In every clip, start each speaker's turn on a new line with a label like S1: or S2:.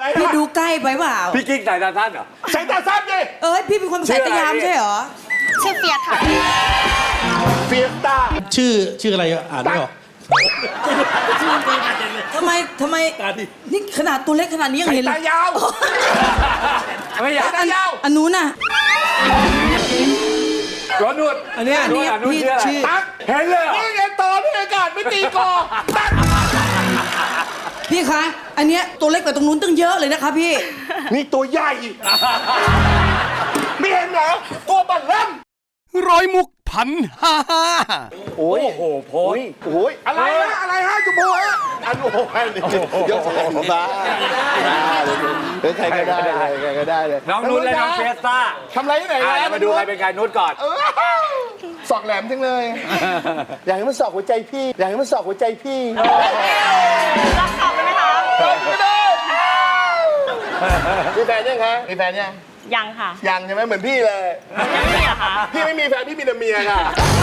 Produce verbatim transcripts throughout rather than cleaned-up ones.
S1: พี่ดูใกล้ไปเปล่า
S2: พี่กิ๊กสายตาสั้นเหรอ
S3: สายตาสั้นดิ
S1: เอ้ยพี่เป็นคนสายตายามใช่เหรอ
S4: ชื่อเฟียสค่ะ
S3: เฟียสต้า
S5: ชื่อชื่ออะไรอ่านไม่ออก
S1: ทำไมทำไมนี่ขนาดตัวเล็กขนาดนี้ยังเห็นเลย
S3: ตายาว
S2: ไม่อยาก
S3: ตายาว
S1: อันนู้นน่ะ
S2: รถนวด
S5: อันนี้
S1: อันนี้พี่ชื่อ
S3: ตั๊ก
S2: เห็นเลย
S3: นี่ไงต่อที่อากาศไม่ตีกอตั๊ก
S1: พี่คะอันเนี้ยตัวเล็กกว่าตรงนู้นตั้งเยอะเลยนะคะพี่
S3: นี่ตัวใหญ่ไม่เห็นเหรอตัวบัลลัม
S6: ร้อยมุกพันห้าห้า
S3: โอ้ย
S2: โอ้โหโพส
S3: โอ้ยอะไรฮะอะไรฮะจุ๊บฮะอันโอ้โหยกของบ้าเป็นใครก็ได้ใครก็ได้เลย
S2: น้องนุชและน้องเฟสต้า
S3: ทำอะไรที่ไหนนะ
S2: มาดูใครเป็นใครนุชก่อน
S3: สอกแหลมจังเลยอยากให้มันสอกหัวใจพี่อยากให้มันสอกหัวใจพี่
S4: รักเขาไหมคะ
S3: ไม่ได้มีแฟนยังคะมีแฟนยัง
S4: ยังค่ะ
S3: ยังใช่ไหมเหมือนพี่เลย
S4: ไม่มีเหรอคะ
S3: พี่ไม่มีแฟนพี่มีแต่เมียค่ะ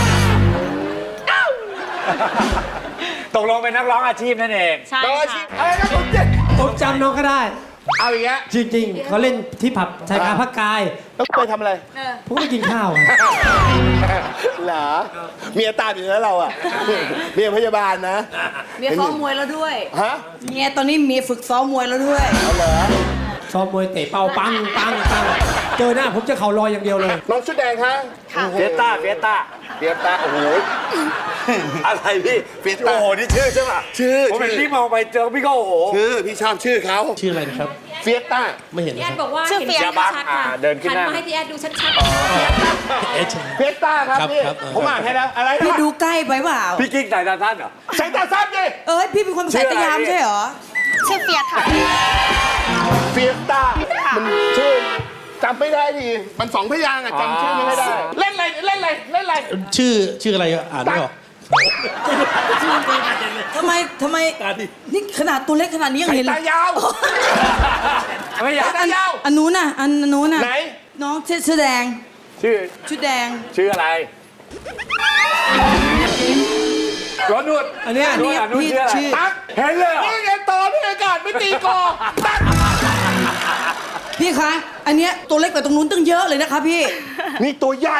S2: ตกลงเป็นนักร้องอาชีพนั่นเอง
S4: ใช่ค่ะ
S3: อะไรนะผมเจ็บ
S5: ผมจำน้องก็ได้
S3: เอาอย่างเงี้ย
S5: จริงๆเขาเล่นที่ผับชายกาพักกาย
S3: แล้วไปทำอะไร
S5: ผมไปกินข้าว
S3: เหรอเมียตามอยู่แล้วเราอ่ะเมียพยาบาลนะ
S1: เมียซ้อมมวยแล้วด้วย
S3: ฮะ
S1: เมียตอนนี้เมียฝึกซ้อมมวยแล้วด้วย
S3: เอาเหรอ
S5: ซ้อมมวยเตะเป้าปังปังปังเจอหน้าผมจะเข่าลอยอย่างเดียวเลย
S3: น้องชุดแดงคะ
S2: เฟียสต้าเฟียสต้า
S3: เฟียสต้าโอ้โห
S2: อะไรพี่
S3: เฟียสต้า
S2: โอ้โหนี่ชื่อใช่ป่ะ
S3: ชื่อ
S2: ผมเห็นพี่มองไปเจอพี่ก็โอ้โห
S3: ชื่อพี่ชอบชื่อเขา
S5: ชื่ออะไรนะครับ
S3: เฟียสต้า
S5: ไม่เห็น
S4: พี่แอดบอกว่าชื่อเฟียสชัดค่ะ
S2: เดินขึ้นหน้า
S4: มาให้พี่แอดดูชัด
S3: เฟียสต้าครับพี่ผมอ่านให้แล้วอะไร
S1: พี่ดูใกล้ไปเปล่า
S2: พี่กิ๊กสายตาสั้นเหรอ
S3: สายตาสั้นดิ
S1: เอ้ยพี่เป็นคนสายตายามใช่เหรอ
S4: ชื่อเฟียสค่ะ
S3: เฟียสต้ามันชื่อจำไม่ได้ดิมันสองพยางค์อ่ะจำชื่อไม่ได้เล่นอะไรเล่นอะไรเล่นอะไร
S5: ชื่อชื่ออะไรอ่านไม่ออก
S1: ทำไมทำไมนี่ขนาดตัวเล็กขนาดนี้ยังเห็นเลย
S3: ตายาว
S2: ไม่อยาก
S3: ตายาว
S1: อันนู้นน่ะอันนู้นน่ะ
S3: ไหน
S1: น้องชื่อแดง
S2: ชื่อ
S1: ชื่อแดง
S2: ชื่ออะไรรถนวด
S5: อันนี้
S2: นุชพี่ชื่อตั๊กเห็นเลย
S3: นี่ไงต่อที่อากาศไม่ตีกอตั๊ก
S1: พี่คะอันเนี้ยตัวเล็กกว่าตรงนู้นตั้งเยอะเลยนะคะพี่
S3: นี่ตัวใหญ่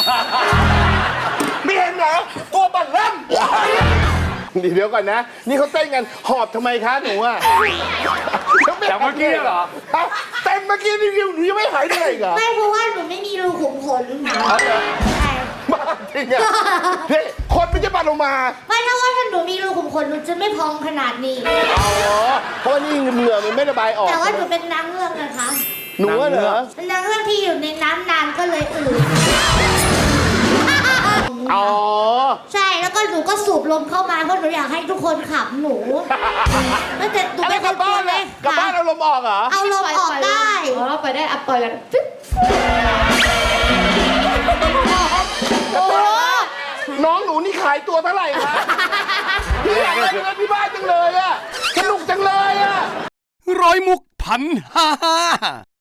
S3: ไม่เห็นเหรอตัวบัลลัมเดี๋ยวก่อนนะนี่เขาเต้นกันหอบทำไมคะหนูอ่ะ
S2: จากเมื่อกี้เหรอ
S3: เต้นเมื่อกี้นี่หนูยังไม่หายเหนื่อยเหรอ
S4: ไม่เพราะว่าหนูไม่มีรูขุมขน
S3: บ้าจริงอ่ะนี่คนไม่จะปัดลงมา
S4: ไม่ถ้าว่าถ้าหนูมีรูขุมขนหนูจะไม่พองขนาดนี้
S3: อ๋อเพราะนี่เหงื่อมันไม่ระบายออก
S4: แต่ว่าหนูเป็นนางเงือกนะคะ
S3: หนูเหรอ
S4: เป็นนางเงือกที่อยู่ในน้ำนานก็เลยอืด
S3: อ๋อ
S4: ใช่แล้วก็หนูก็สูบลมเข้ามาเพราะหนูอยากให้ทุกคนขับหนูแล้วแต่หนูไม่
S3: กลับบ้านเลยกลับบ้านเอาลมออกเหรอ
S4: เอาลมออกได้
S7: อ๋อไปได้อัปปล่อยแล้ว
S3: โอ้น้องหนูนี่ขายตัวเท่าไหร่คะพี่อยากได้เงินที่บ้านจังเลยอะสนุกจังเลยอะ
S6: ร้อยมุกพันห้าห้า